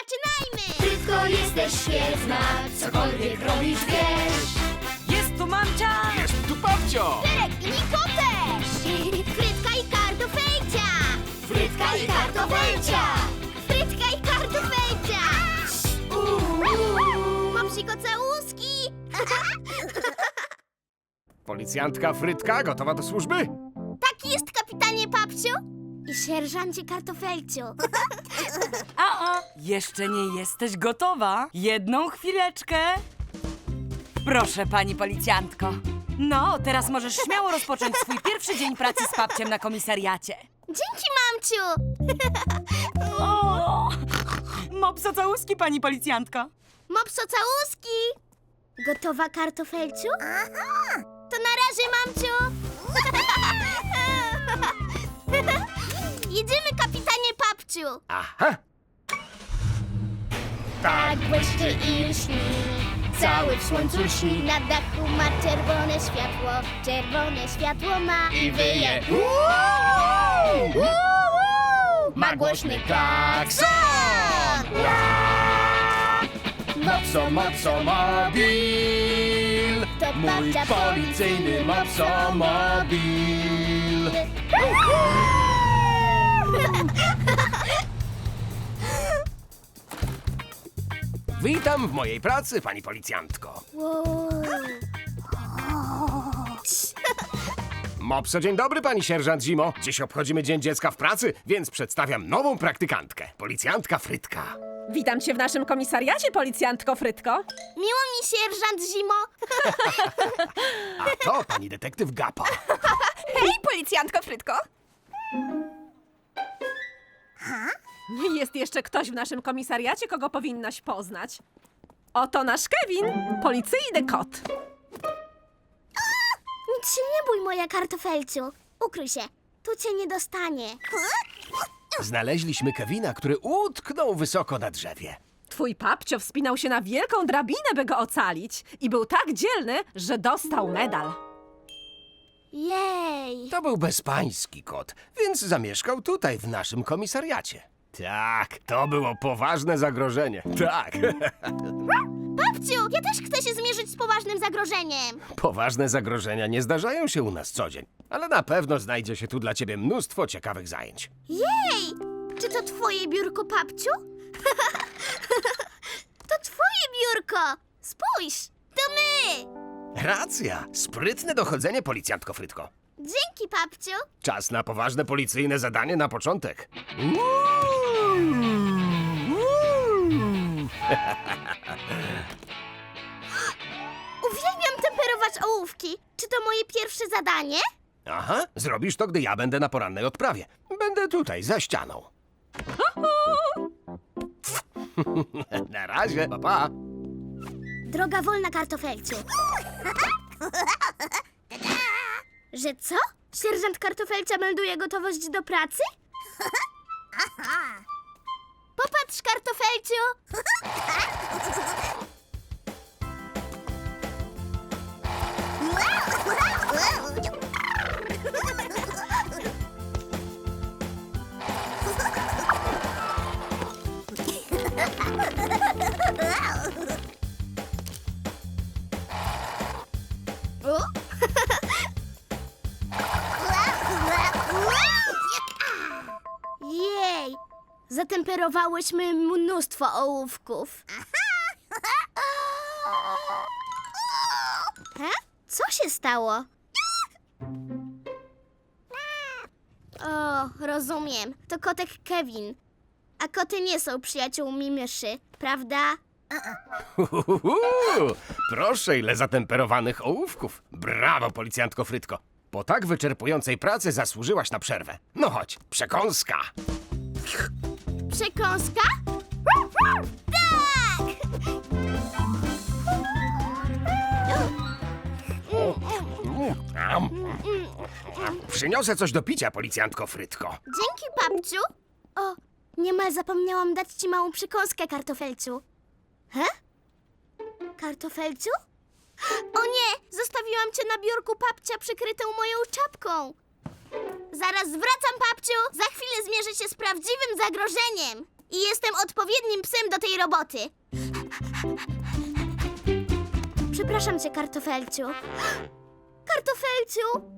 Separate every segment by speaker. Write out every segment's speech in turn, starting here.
Speaker 1: zaczynajmy!
Speaker 2: Frytko, jesteś świetna, cokolwiek robisz, wiesz.
Speaker 3: Jest tu mamcia!
Speaker 4: Jest tu babcio!
Speaker 1: Pyrek i Niko też! Frytka i kartofelcia!
Speaker 2: Frytka i kartofelcia.
Speaker 1: Frytka i kartofelcia! Mopsiko całuski!
Speaker 4: Policjantka Frytka gotowa do służby?
Speaker 1: Tak jest, kapitanie Papciu i sierżancie kartofelciu.
Speaker 3: Jeszcze nie jesteś gotowa. Jedną chwileczkę. Proszę, pani policjantko. No, teraz możesz śmiało rozpocząć swój pierwszy dzień pracy z papciem na komisariacie.
Speaker 1: Dzięki, mamciu!
Speaker 3: O! Mopso całuski, pani policjantko.
Speaker 1: Mopso całuski! Gotowa, kartofelciu? To na razie, mamciu! Jedziemy, kapitanie Papciu!
Speaker 4: Aha!
Speaker 1: Tak błyszczy i lśni, cały w słońcu śni. Na dachu ma czerwone światło ma
Speaker 4: I wyje. Ma głośny klakson! Mopso, mopso, mobil!
Speaker 1: To
Speaker 4: Mój
Speaker 1: babcia
Speaker 4: policyjny mopso, mobil! Witam w mojej pracy, pani policjantko.
Speaker 1: Wow.
Speaker 4: Mopso, dzień dobry, pani sierżant Zimo. Dziś obchodzimy Dzień Dziecka w Pracy, więc przedstawiam nową praktykantkę, policjantka Frytka.
Speaker 5: Witam cię w naszym komisariacie, policjantko Frytko.
Speaker 1: Miło mi, sierżant Zimo.
Speaker 4: A to pani detektyw Gapa.
Speaker 5: Hej, policjantko Frytko. Jest jeszcze ktoś w naszym komisariacie, kogo powinnaś poznać. Oto nasz Kevin, policyjny kot.
Speaker 1: Nic się nie bój, moja kartofelciu. Ukryj się, tu cię nie dostanie.
Speaker 4: Znaleźliśmy Kevina, który utknął wysoko na drzewie.
Speaker 5: Twój papcio wspinał się na wielką drabinę, by go ocalić. I był tak dzielny, że dostał medal.
Speaker 1: Jej.
Speaker 4: To był bezpański kot, więc zamieszkał tutaj, w naszym komisariacie. Tak, to było poważne zagrożenie. Tak,
Speaker 1: Babciu, ja też chcę się zmierzyć z poważnym zagrożeniem.
Speaker 4: poważne zagrożenia nie zdarzają się u nas co dzień, ale na pewno znajdzie się tu dla ciebie mnóstwo ciekawych zajęć.
Speaker 1: Jej! Czy to twoje biurko, papciu? To twoje biurko! Spójrz, to my!
Speaker 4: Racja, sprytne dochodzenie, policjantko Frytko.
Speaker 1: Dzięki, papciu.
Speaker 4: Czas na poważne policyjne zadanie na początek.
Speaker 1: Uwielbiam temperować ołówki. Czy to moje pierwsze zadanie?
Speaker 4: Aha, zrobisz to, gdy ja będę na porannej odprawie. Będę tutaj, za ścianą. Na razie, pa, pa.
Speaker 1: Droga wolna, kartofelciu. Że co? Sierżant Kartofelcia melduje gotowość do pracy? Popatrz, kartofelciu! O? Jej! Zatemperowałyśmy mnóstwo ołówków. Co się stało? O, rozumiem. To kotek Kevin. A koty nie są przyjaciółmi myszy, prawda?
Speaker 4: Proszę, ile zatemperowanych ołówków. Brawo, policjantko Frytko. Po tak wyczerpującej pracy zasłużyłaś na przerwę. No chodź, przekąska.
Speaker 1: Przekąska? Tak!
Speaker 4: Przyniosę coś do picia, policjantko Frytko.
Speaker 1: Dzięki, babciu. O, niemal zapomniałam dać ci małą przekąskę, kartofelciu. He? Kartofelciu? O nie! Zostawiłam cię na biurku papcia przykrytą moją czapką. Zaraz wracam, papciu. Za chwilę zmierzę się z prawdziwym zagrożeniem. i jestem odpowiednim psem do tej roboty. Przepraszam cię, Kartofelciu. Kartofelciu!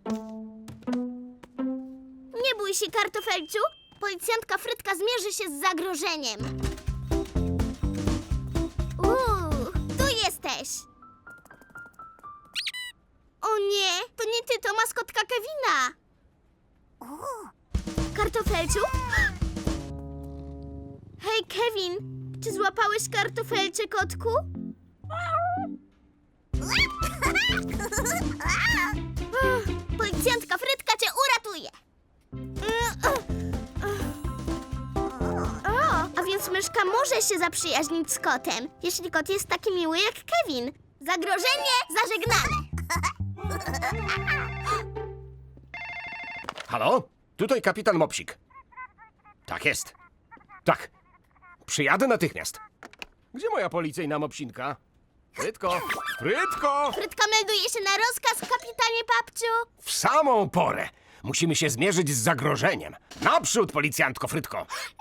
Speaker 1: Nie bój się, Kartofelciu. Policjantka Frytka zmierzy się z zagrożeniem. Tu jesteś. O nie, to nie ty, to maskotka Kevina. Kartofelciu? Hej, Kevin, czy złapałeś kartofelcie, kotku? Policjantka Frytka cię uratuje. A więc myszka może się zaprzyjaźnić z kotem, jeśli kot jest taki miły jak Kevin. Zagrożenie zażegnane.
Speaker 4: Halo? Tutaj kapitan Mopsik. Tak jest. Tak. Przyjadę natychmiast. Gdzie moja policyjna mopsinka? Frytko! Frytko!
Speaker 1: Frytka melduje się na rozkaz, kapitanie Papciu.
Speaker 4: W samą porę. Musimy się zmierzyć z zagrożeniem. Naprzód, policjantko Frytko!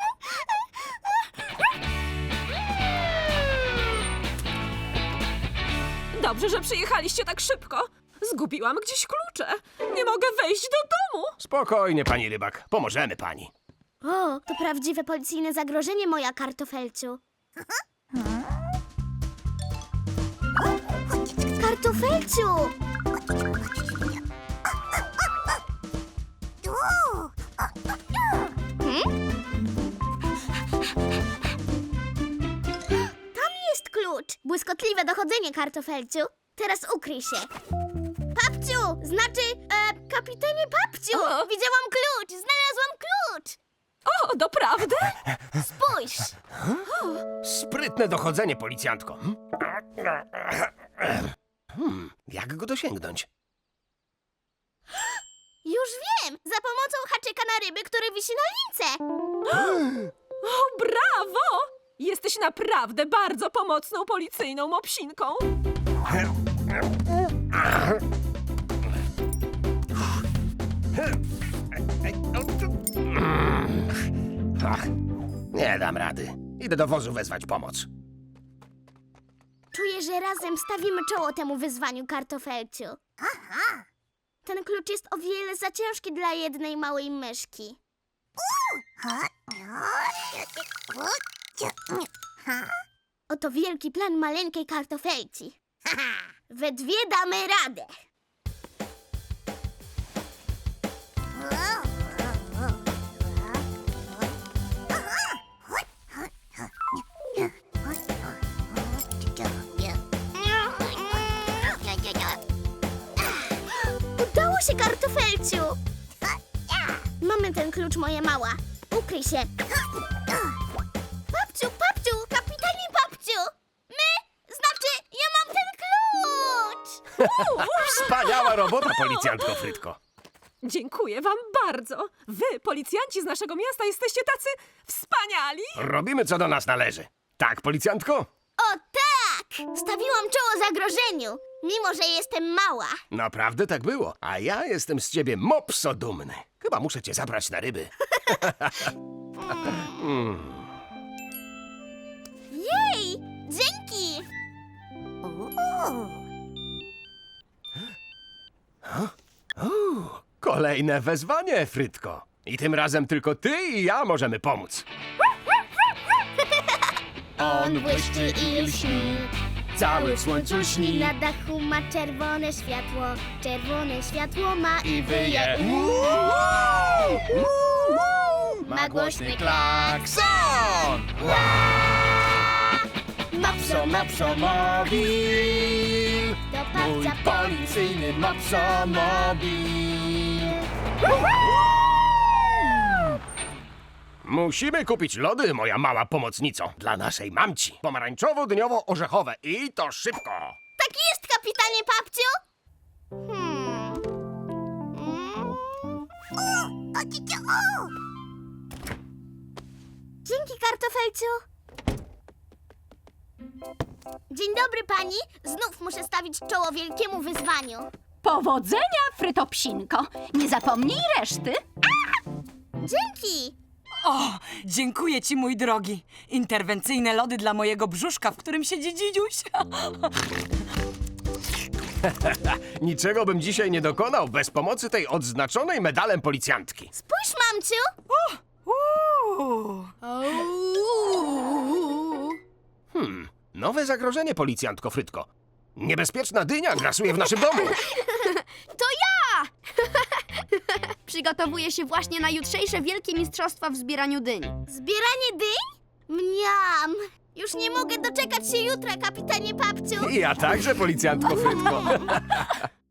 Speaker 5: Dobrze, że przyjechaliście tak szybko. Zgubiłam gdzieś klucze. Nie mogę wejść do domu.
Speaker 4: Spokojnie, pani Rybak. Pomożemy pani.
Speaker 1: O, to prawdziwe policyjne zagrożenie, moja Kartofelciu. Kartofelciu! Tam jest klucz. Błyskotliwe dochodzenie, Kartofelciu. Teraz ukryj się. Papciu! Znaczy, kapitanie Papciu!
Speaker 5: O.
Speaker 1: Widziałam klucz! Znalazłam klucz!
Speaker 5: O, doprawdy?
Speaker 1: Spójrz!
Speaker 4: Sprytne dochodzenie, policjantko. Jak go dosięgnąć?
Speaker 1: Już wiem! Za pomocą haczyka na ryby, który wisi na lince!
Speaker 5: O, brawo! Jesteś naprawdę bardzo pomocną policyjną mopsinką.
Speaker 4: Ach, nie dam rady. Idę do wozu wezwać pomoc.
Speaker 1: Czuję, że razem stawimy czoło temu wyzwaniu, Kartofelciu. Aha! Ten klucz jest o wiele za ciężki dla jednej małej myszki. Oto wielki plan maleńkiej Kartofelci. We dwie damy radę. Udało się, Kartofelciu! Mamy ten klucz, moja mała. Ukryj się. Papciu, Papciu, kapitanie Papciu! Znaczy, ja mam ten klucz!
Speaker 4: Wspaniała robota, policjantko Frytko.
Speaker 5: Dziękuję wam bardzo. Wy, policjanci z naszego miasta, jesteście tacy wspaniali.
Speaker 4: Robimy, co do nas należy. Tak, policjantko?
Speaker 1: O tak! Stawiłam czoło zagrożeniu, mimo że jestem mała.
Speaker 4: Naprawdę tak było. A ja jestem z ciebie mopso dumny. Chyba muszę cię zabrać na ryby.
Speaker 1: Jej! Dzięki!
Speaker 4: Kolejne wezwanie, Frytko. I tym razem tylko ty i ja możemy pomóc.
Speaker 2: On błyszczy i lśni, cały w słońcu śni.
Speaker 1: Na dachu ma czerwone światło ma i wyje.
Speaker 2: Ma głośny klakson. Mopso, mopsomobil,
Speaker 1: Do
Speaker 2: mój
Speaker 1: babcia
Speaker 2: policyjny mopsomobil.
Speaker 4: Musimy kupić lody, moja mała pomocnico, dla naszej mamci. Pomarańczowo-dyniowo-orzechowe i to szybko.
Speaker 1: Tak jest, kapitanie Papciu! Dzięki, Kartofelciu. Dzień dobry, pani. Znów muszę stawić czoło wielkiemu wyzwaniu.
Speaker 6: Powodzenia, Frytopsinko! Nie zapomnij reszty.
Speaker 1: Dzięki.
Speaker 3: O, dziękuję ci, mój drogi. Interwencyjne lody dla mojego brzuszka, w którym siedzi dzidziuś.
Speaker 4: Niczego bym dzisiaj nie dokonał bez pomocy tej odznaczonej medalem policjantki.
Speaker 1: Spójrz, mamciu!
Speaker 4: Nowe zagrożenie, policjantko Frytko. Niebezpieczna dynia grasuje w naszym domu.
Speaker 2: To ja! Przygotowuję się właśnie na jutrzejsze wielkie mistrzostwa w zbieraniu dyń.
Speaker 1: Zbieranie dyń? Mniam! Już nie mogę doczekać się jutra, kapitanie Papciu!
Speaker 4: I ja także, policjantko Frytko.